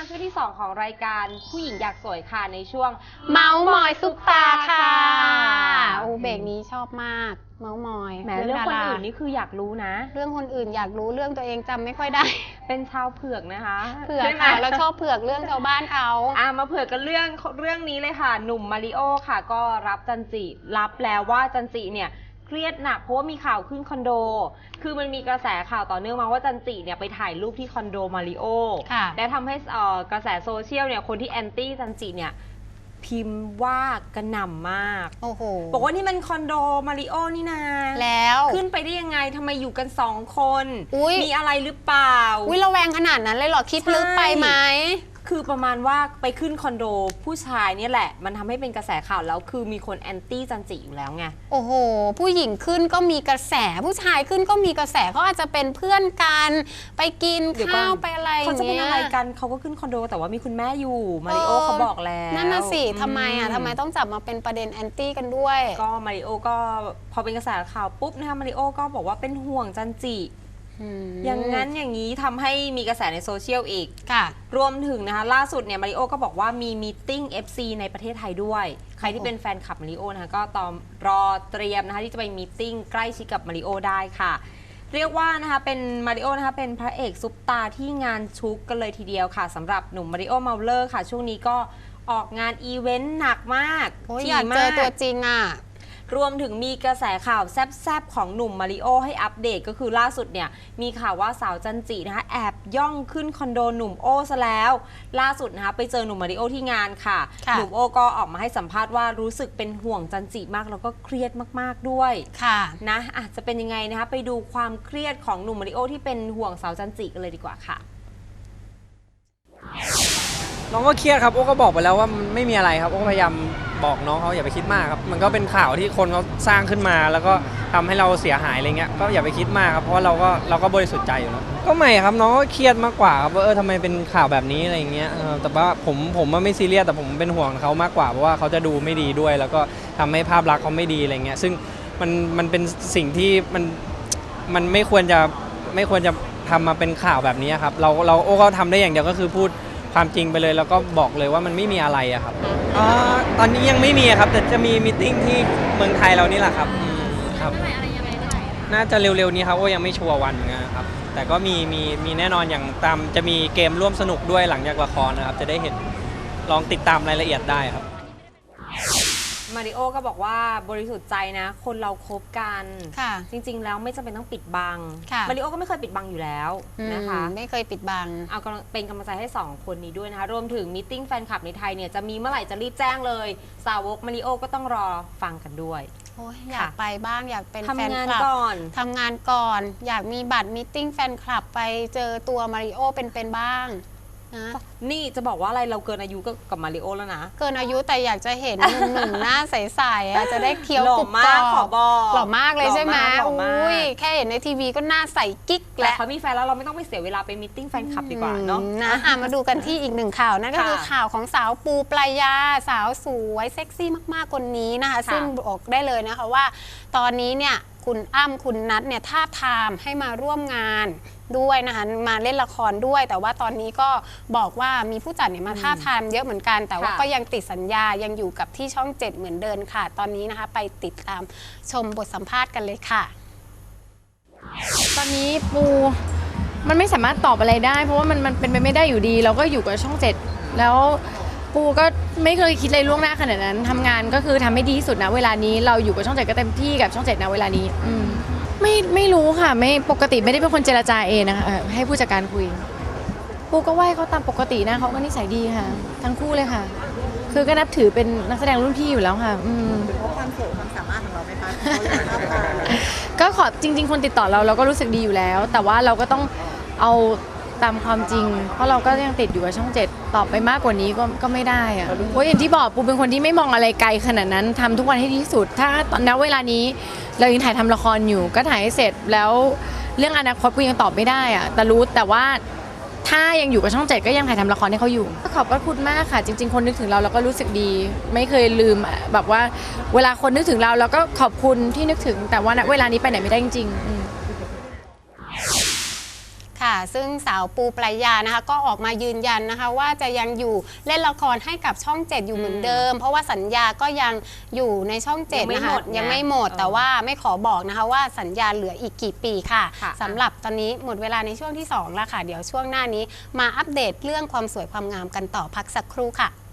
ช่วงที่2ของรายการผู้หญิงอยากสวยค่ะในช่วงเมาส์มอยซุปตาค่ะโอ้เบรกนี้ชอบมากเมาส์มอยแหมเรื่องคนอื่นนี่คืออยากรู้นะเรื่องคนอื่นอยากรู้เรื่องตัวเองจำไม่ค่อยได้เป็นชาวเผือกนะคะเผือกค่ะเราชอบเผือกเรื่องชาวบ้านเขามาเผือกกันเรื่องนี้เลยค่ะหนุ่มมาริโอค่ะก็รับจันจิรับแล้วว่าจันจิเนี่ยเครียดหนักเพราะว่ามีข่าวขึ้นคอนโดคือมันมีกระแสข่าวต่อเนื่องมาว่าจันจิเนี่ยไปถ่ายรูปที่คอนโดมาริโอและทำให้กระแสโซเชียลเนี่ยคนที่แอนตี้จันจิเนี่ยพิมพ์ว่ากระหน่ำมากโอ้โหบอกว่านี่มันคอนโดมาริโอนี่นาแล้วขึ้นไปได้ยังไงทำไมอยู่กัน2 คนมีอะไรหรือเปล่าระแวงขนาดนั้นเลยเหรอคิดลึกไปไหมคือประมาณว่าไปขึ้นคอนโดผู้ชายเนี่ยแหละมันทำให้เป็นกระแสข่าวแล้วคือมีคนแอนตี้จันจิอยู่แล้วไงโอ้โหผู้หญิงขึ้นก็มีกระแสผู้ชายขึ้นก็มีกระแสเขาอาจจะเป็นเพื่อนกันไปกินข้าวไปอะไรเขาจะเป็นอะไรกันเขาก็ขึ้นคอนโดแต่ว่ามีคุณแม่อยู่มาริโอเขาบอกแล้วนั่นน่ะสิทำไมต้องจับมาเป็นประเด็นแอนตี้กันด้วยก็มาริโอก็พอเป็นกระแสข่าวปุ๊บนะคะมาริโอก็บอกว่าเป็นห่วงจันจิอย่างนั้นอย่างนี้ทำให้มีกระแสในโซเชียลอีกรวมถึงนะคะล่าสุดเนี่ยมาริโอก็บอกว่ามีมีตติ้ง FC ในประเทศไทยด้วยใครที่เป็นแฟนคลับมาริโอนะคะก็รอเตรียมนะคะที่จะไปมีตติ้งใกล้ชิดกับมาริโอได้ค่ะเรียกว่านะคะเป็นมาริโอนะคะเป็นพระเอกซุปตาที่งานชุกกันเลยทีเดียวค่ะสำหรับหนุ่มมาริโอเมาเลอร์ค่ะช่วงนี้ก็ออกงานอีเวนต์หนักมากอยากเจอตัวจริงรวมถึงมีกระแสข่าวแซบๆของหนุ่มมาริโอให้อัปเดตก็คือล่าสุดเนี่ยมีข่าวว่าสาวจันจินะคะแอบย่องขึ้นคอนโดหนุ่มโอซะแล้วล่าสุดนะคะไปเจอหนุ่มมาริโอที่งานค่ะหนุ่มโอก็ออกมาให้สัมภาษณ์ว่ารู้สึกเป็นห่วงจันจิมากแล้วก็เครียดมากๆด้วยนะจะเป็นยังไงนะคะไปดูความเครียดของหนุ่มมาริโอที่เป็นห่วงสาวจันจิกันเลยดีกว่าค่ะน้องก็เครียดครับโอ้ก็บอกไปแล้วว่ามันไม่มีอะไรครับโอ้พยายามบอกน้องเขาอย่าไปคิดมากครับมันก็เป็นข่าวที่คนเขาสร้างขึ้นมาแล้วก็ทำให้เราเสียหายอะไรเงี้ยก็อย่าไปคิดมากครับเพราะว่าเราก็บริสุทธิ์ใจอยู่แล้วก็ไม่ครับน้องก็เครียดมากกว่าครับว่าทำไมเป็นข่าวแบบนี้อะไรเงี้ยแต่ว่าผมไม่ซีเรียสแต่ผมเป็นห่วงเขามากกว่าเพราะว่าเขาจะดูไม่ดีด้วยแล้วก็ทำให้ภาพลักษณ์เขาไม่ดีอะไรเงี้ยซึ่งมันเป็นสิ่งที่มันไม่ควรจะทำมาเป็นข่าวแบบนี้ครับเราโอ้ก็ทำได้อย่างเดียวก็คือพูดความจริงไปเลยแล้วก็บอกเลยว่ามันไม่มีอะไรอะครับตอนนี้ยังไม่มีครับแต่จะมีมีตติ้งที่เมืองไทยเรานี่แหละครับครับน่าจะเร็วๆนี้ครับโอ้ยังไม่ชัวร์วันนะครับแต่ก็มีแน่นอนอย่างจะมีเกมร่วมสนุกด้วยหลังจากละครนะครับจะได้เห็นลองติดตามรายละเอียดได้ครับมาริโอก็บอกว่าบริสุทธิ์ใจนะคนเราคบกันจริงๆแล้วไม่จำเป็นต้องปิดบังมาริโอก็ไม่เคยปิดบังอยู่แล้วนะคะไม่เคยปิดบังเอาเป็นกำลังใจให้2 คนนี้ด้วยนะคะรวมถึงมีตติ้งแฟนคลับในไทยเนี่ยจะมีเมื่อไหร่จะรีบแจ้งเลยสาวกมาริโอก็ต้องรอฟังกันด้วยอยากไปบ้างอยากเป็นแฟนคลับทำงานก่อนอยากมีบัตรมีตติ้งแฟนคลับไปเจอตัวมาริโอเป็นบ้างนี่จะบอกว่าอะไรเราเกินอายุกับมาริโอแล้วนะเกินอายุแต่อยากจะเห็นหนุ่มหน้าใสๆจะได้เคี้ยวกรุบกรอบหล่อมากเลยใช่ไหมอุ้ยแค่เห็นในทีวีก็หน้าใสกิ๊กแล้วเขามีแฟนแล้วเราไม่ต้องไปเสียเวลาไปมีตติ้งแฟนคลับดีกว่าเนาะมาดูกันที่อีก1 ข่าวนั่นก็คือข่าวของสาวปูปรายาสาวสวยเซ็กซี่มากๆคนนี้นะคะซึ่งบอกได้เลยนะคะว่าตอนนี้เนี่ยคุณอ้ำคุณนัทเนี่ยท้าทามให้มาร่วมงานด้วยนะคะมาเล่นละครด้วยแต่ว่าตอนนี้ก็บอกว่ามีผู้จัดเนี่ยมาท้าทามเยอะเหมือนกันแต่ว่าก็ยังติดสัญญายังอยู่กับที่ช่อง7เหมือนเดิมค่ะตอนนี้นะคะไปติดตามชมบทสัมภาษณ์กันเลยค่ะตอนนี้ปูมันไม่สามารถตอบอะไรได้เพราะว่ามันเป็นไปไม่ได้อยู่ดีเราก็อยู่กับช่อง7แล้วปูก็ไม่เคยคิดอะไรล่วงหน้าขนาดนั้นทำงานก็คือทำให้ดีที่สุดนะเวลานี้เราอยู่กับช่อง7ก็เต็มที่กับช่อง7นะเวลานี้ไม่รู้ค่ะไม่ปกติไม่ได้เป็นคนเจรจาเองนะคะให้ผู้จัดการคุยปูก็ไหว้เขาตามปกตินะเขาก็นิสัยดีค่ะทั้งคู่เลยค่ะคือก็นับถือเป็นนักแสดงรุ่นพี่อยู่แล้วค่ะเป็นเพราะความสวยความสามารถของเราไหมคะก็ขอจริงๆคนติดต่อเราก็รู้สึกดีอยู่แล้วแต่ว่าเราก็ต้องเอาตามความจริงเพราะเราก็ยังติดอยู่กับช่อง7ตอบไปมากกว่านี้ก็ไม่ได้อะเพราะอย่างที่บอกปูเป็นคนที่ไม่มองอะไรไกลขนาดนั้นทำทุกวันให้ดีที่สุดถ้าตอนนั้นเวลานี้เรายังถ่ายทำละครอยู่ก็ถ่ายให้เสร็จแล้วเรื่องอนาคตปูยังตอบไม่ได้อะแต่รู้แต่ว่าถ้ายังอยู่กับช่อง7ก็ยังถ่ายทำละครให้เขาอยู่ขอบพระคุณมากค่ะจริงๆคนนึกถึงเราก็รู้สึกดีไม่เคยลืมแบบว่าเวลาคนนึกถึงเราก็ขอบคุณที่นึกถึงแต่ว่าณเวลานี้ไปไหนไม่ได้จริงๆค่ะซึ่งสาวปูปรายานะคะก็ออกมายืนยันนะคะว่าจะยังอยู่เล่นละครให้กับช่อง 7 อยู่เหมือนเดิม เพราะว่าสัญญาก็ยังอยู่ในช่อง 7 นะคะยังไม่หมดแต่ว่าไม่ขอบอกนะคะว่าสัญญาเหลืออีกกี่ปีค่ะสำหรับตอนนี้หมดเวลาในช่วงที่2แล้วค่ะเดี๋ยวช่วงหน้านี้มาอัปเดตเรื่องความสวยความงามกันต่อพักสักครู่ค่ะ